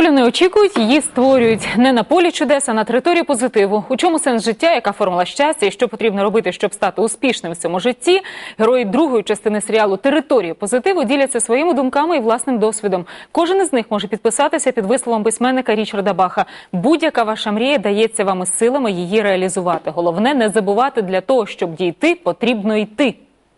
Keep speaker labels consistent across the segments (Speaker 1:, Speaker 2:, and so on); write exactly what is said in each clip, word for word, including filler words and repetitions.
Speaker 1: Долю не очікують, її створюють. Не на полі чудес, а на території позитиву. У чому сенс життя, яка формула щастя і що потрібно робити, щоб стати успішним в цьому житті? Герої другої частини серіалу «Територія позитиву» діляться своїми думками і власним досвідом. Кожен із них може підписатися під висловом письменника Річарда Баха. Будь-яка ваша мрія дається вам із силами її реалізувати. Головне – не забувати, для того, щоб дійти, потрібно йти.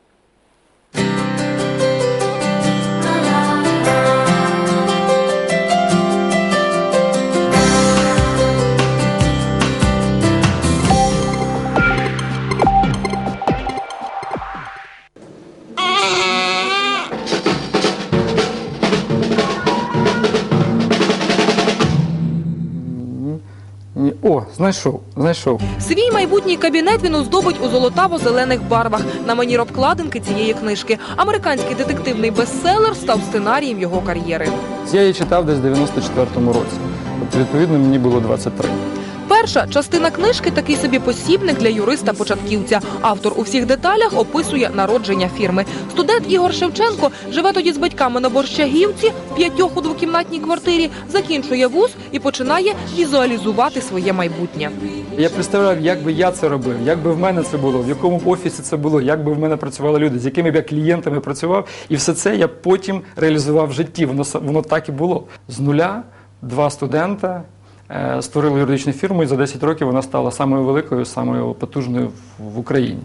Speaker 2: О, знайшов, знайшов.
Speaker 3: Свій майбутній кабінет він оздобить у золотаво-зелених барвах на манір обкладинки цієї книжки. Американський детективний бестселер став сценарієм його кар'єри.
Speaker 2: Я її читав десь в дев'яносто четвертому році. Тобто, відповідно, мені було двадцять три.
Speaker 3: Перша частина книжки – такий собі посібник для юриста-початківця. Автор у всіх деталях описує народження фірми. Студент Ігор Шевченко живе тоді з батьками на Борщагівці, в п'ятьох у двокімнатній квартирі, закінчує вуз і починає візуалізувати своє майбутнє.
Speaker 2: Я представляв, як би я це робив, як би в мене це було, в якому офісі це було, як би в мене працювали люди, з якими б я клієнтами працював. І все це я потім реалізував в житті. Воно, воно так і було. З нуля два студента створили юридичну фірму, і за десять років вона стала самою великою, самою потужною в Україні.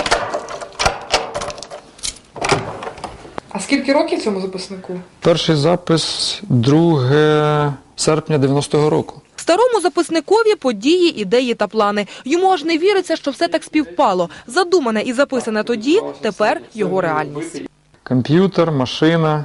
Speaker 4: А скільки років цьому записнику?
Speaker 2: Перший запис друге серпня дев'яностого року.
Speaker 3: Старому записникові події, ідеї та плани. Йому аж не віриться, що все так співпало. Задумане і записане тоді, тепер його реальність.
Speaker 2: Комп'ютер, машина.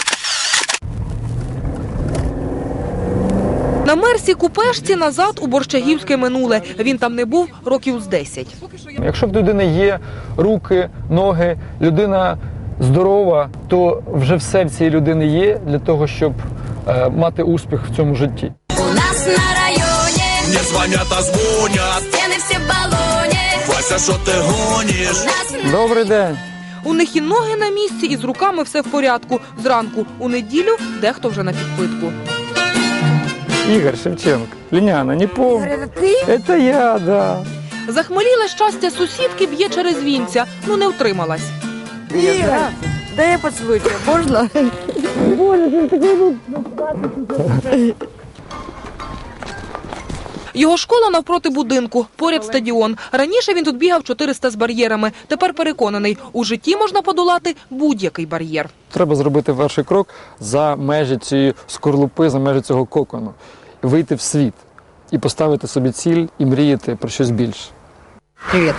Speaker 3: На Мерсі купешці назад у борщагівське минуле. Він там не був років з десять.
Speaker 2: Якщо в людини є руки, ноги, людина здорова, то вже все в цій людини є для того, щоб е, мати успіх в цьому житті.
Speaker 5: У нас на районі не дзвонять, а дзвонять. Стіни всі в балоні. Вася, що ти гониш?
Speaker 2: Добрий день.
Speaker 3: У них і ноги на місці, і з руками все в порядку. Зранку у неділю дехто вже на підпитку.
Speaker 2: Ігор Шевченко. Ліняна, не помню. Це я, да.
Speaker 3: Захмеліле щастя сусідки б'є через вінця. Ну не втрималась.
Speaker 6: Ігор, дай я поцілую тебе, можна?
Speaker 3: Його школа навпроти будинку, поряд стадіон. Раніше він тут бігав чотириста з бар'єрами. Тепер переконаний, у житті можна подолати будь-який бар'єр.
Speaker 2: Треба зробити перший крок за межі цієї скорлупи, за межі цього кокону. Вийти в світ і поставити собі ціль і мріяти про щось більше.
Speaker 6: Привіт.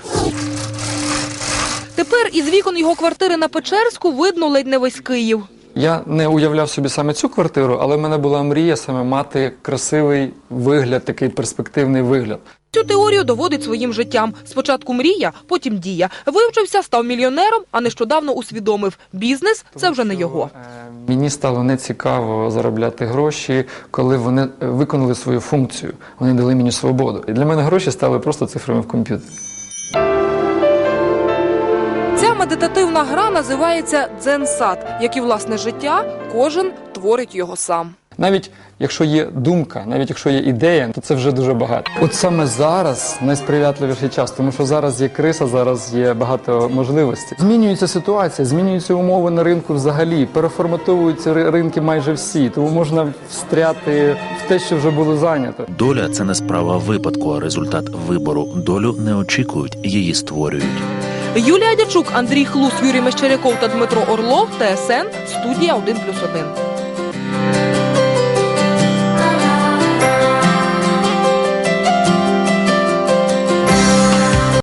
Speaker 3: Тепер із вікон його квартири на Печерську видно ледь не весь Київ.
Speaker 2: Я не уявляв собі саме цю квартиру, але в мене була мрія саме мати красивий вигляд, такий перспективний вигляд.
Speaker 3: Цю теорію доводить своїм життям. Спочатку мрія, потім дія. Вивчився, став мільйонером, а нещодавно усвідомив – бізнес – це вже не його.
Speaker 2: Мені стало нецікаво заробляти гроші, коли вони виконали свою функцію. Вони дали мені свободу. І для мене гроші стали просто цифрами в комп'ютері.
Speaker 3: Ця медитативна гра називається «Дзен-сад». Як і власне життя, кожен творить його сам.
Speaker 2: Навіть якщо є думка, навіть якщо є ідея, то це вже дуже багато. От саме зараз найсприятливіший час, тому що зараз є криса, зараз є багато можливостей. Змінюється ситуація, змінюються умови на ринку взагалі, переформатовуються ринки майже всі, тому можна встряти в те, що вже було зайнято.
Speaker 7: Доля – це не справа випадку, а результат вибору. Долю не очікують, її створюють.
Speaker 3: Юлія Дячук, Андрій Хлус, Юрій Мещеряков та Дмитро Орлов, Т С Н, студія один плюс один.